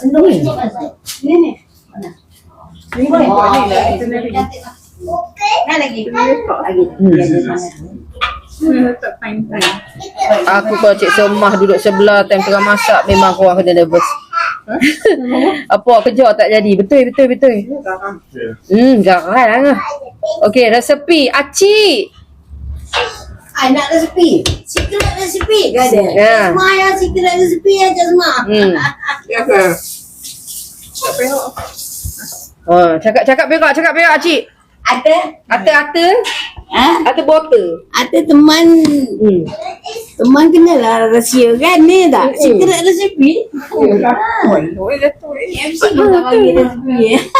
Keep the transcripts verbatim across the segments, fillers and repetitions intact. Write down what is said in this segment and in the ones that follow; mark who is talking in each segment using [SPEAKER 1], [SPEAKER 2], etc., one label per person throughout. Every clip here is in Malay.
[SPEAKER 1] sendok ni. Ni ni. Mana? Ni boleh. Oh, ni lah. Itu lagi. Nak lagi. Lagi.
[SPEAKER 2] Hmm, tak fine.
[SPEAKER 3] Aku kalau Cik Semah duduk sebelah time tengah masak memang aku kena nervous. Apa kerja tak jadi. Betul betul betul. Hmm, garang lah. Okey, resepi Acik.
[SPEAKER 1] Ah, nak resepi. Secret resepi ke ada?
[SPEAKER 3] Ya.
[SPEAKER 1] Semua yang secret resepi aja semua.
[SPEAKER 3] Hmm.
[SPEAKER 2] Ya ke? Tak payah.
[SPEAKER 3] Oh, cakap-cakap berak, cakap berak Acik.
[SPEAKER 1] Ada?
[SPEAKER 3] Ata-ata,
[SPEAKER 1] Ha?
[SPEAKER 3] ata botol.
[SPEAKER 1] Ada teman
[SPEAKER 3] Hmm.
[SPEAKER 1] teman kenalah rahsia kan ni tak?
[SPEAKER 3] Hmm.
[SPEAKER 1] Secret resepi.
[SPEAKER 2] Oh, dia tu.
[SPEAKER 1] M C pun tak bagi resepi.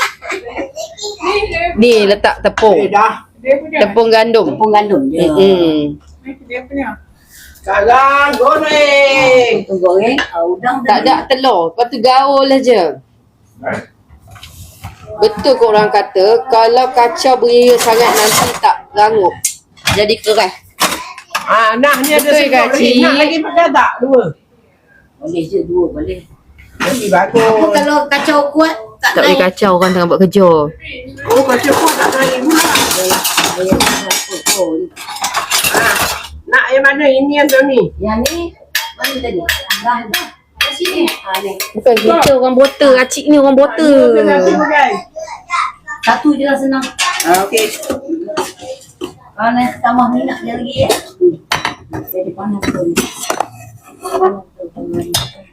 [SPEAKER 3] Ni letak tepung.
[SPEAKER 2] Eh, dah. Dia punya.
[SPEAKER 3] Tepung gandum.
[SPEAKER 1] Tepung gandum je.
[SPEAKER 3] Hmm.
[SPEAKER 2] Dia punya. Sekarang goreng.
[SPEAKER 1] Tepung goreng, udang
[SPEAKER 3] Tak ada telur, lepas tu gaul aja. Betul kau orang kata kalau kacau beria sangat nanti tak rangup. Jadi keras.
[SPEAKER 2] Ah, nak ni ada
[SPEAKER 3] Betul ke,
[SPEAKER 2] sendok
[SPEAKER 3] Cik?
[SPEAKER 2] lagi. Nak lagi pakai tak? Dua.
[SPEAKER 1] boleh je dua boleh.
[SPEAKER 2] Lebih
[SPEAKER 1] Apa
[SPEAKER 2] bagus.
[SPEAKER 1] kalau kacau kuat tak,
[SPEAKER 3] Tak boleh
[SPEAKER 1] naik?
[SPEAKER 3] kacau orang tengah buat kerja.
[SPEAKER 2] Oh, kacau pun tak naik pula.
[SPEAKER 1] Oh,
[SPEAKER 2] Ah, nak yang mana? Ini atau ni?
[SPEAKER 1] yang ni mana tadi? Dah dah. Kat sini. Ha ni.
[SPEAKER 3] Bukan kita orang botol. Acik ni orang botol.
[SPEAKER 2] Satu pakai.
[SPEAKER 1] Satu je lah senang.
[SPEAKER 2] Ah, okey.
[SPEAKER 1] Kalau nak tambah minyak dia lagi ya. Jadi panas tu. Panas tu tambah.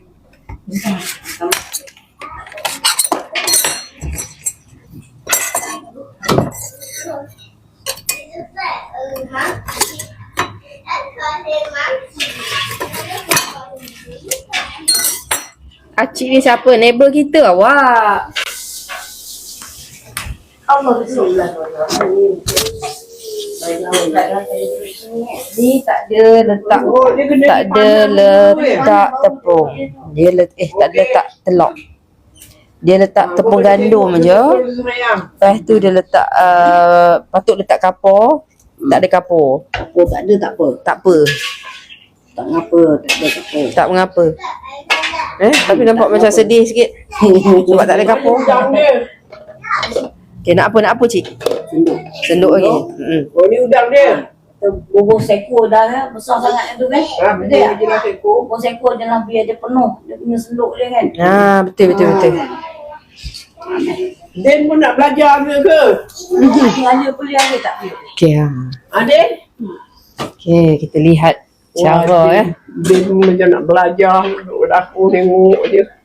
[SPEAKER 3] Acik ni siapa? Neighbor kita awak.
[SPEAKER 1] Allah Bismillah.
[SPEAKER 3] Ni tak ada letak.
[SPEAKER 2] Oh, dia kena
[SPEAKER 3] Tak ada letak tepung. Dia let, eh tak ada letak telur. Dia letak tepung gandum je. Lepas tu dia letak uh, patut letak kapur. Tak ada kapur.
[SPEAKER 1] Apa tak ada tak apa.
[SPEAKER 3] Tak apa.
[SPEAKER 1] Tak ngapa, tak ada tak apa.
[SPEAKER 3] Tak mengapa. Eh, tapi nampak macam sedih sikit. Sebab tak ada kapur.
[SPEAKER 2] Udang dia.
[SPEAKER 3] Okay, nak apa nak apa cik?
[SPEAKER 1] Senduk.
[SPEAKER 3] Senduk lagi. Hmm.
[SPEAKER 2] Oh, ni udang dia.
[SPEAKER 1] Bubur seko dah kan, besar sangat tu kan.
[SPEAKER 2] Ah,
[SPEAKER 1] Betul tak?
[SPEAKER 2] dia jelas ekor.
[SPEAKER 1] Bubur seko jangan biar dia penuh. Dia punya senduk dia kan.
[SPEAKER 3] Ah, betul betul betul.
[SPEAKER 2] Den pun nak belajar ke ke?
[SPEAKER 1] Ada boleh ada tak?
[SPEAKER 3] Okey ah.
[SPEAKER 2] Ah, Den?
[SPEAKER 3] Okey, kita lihat cara eh.
[SPEAKER 2] Den pun macam nak belajar. Duduk dapur tengok je.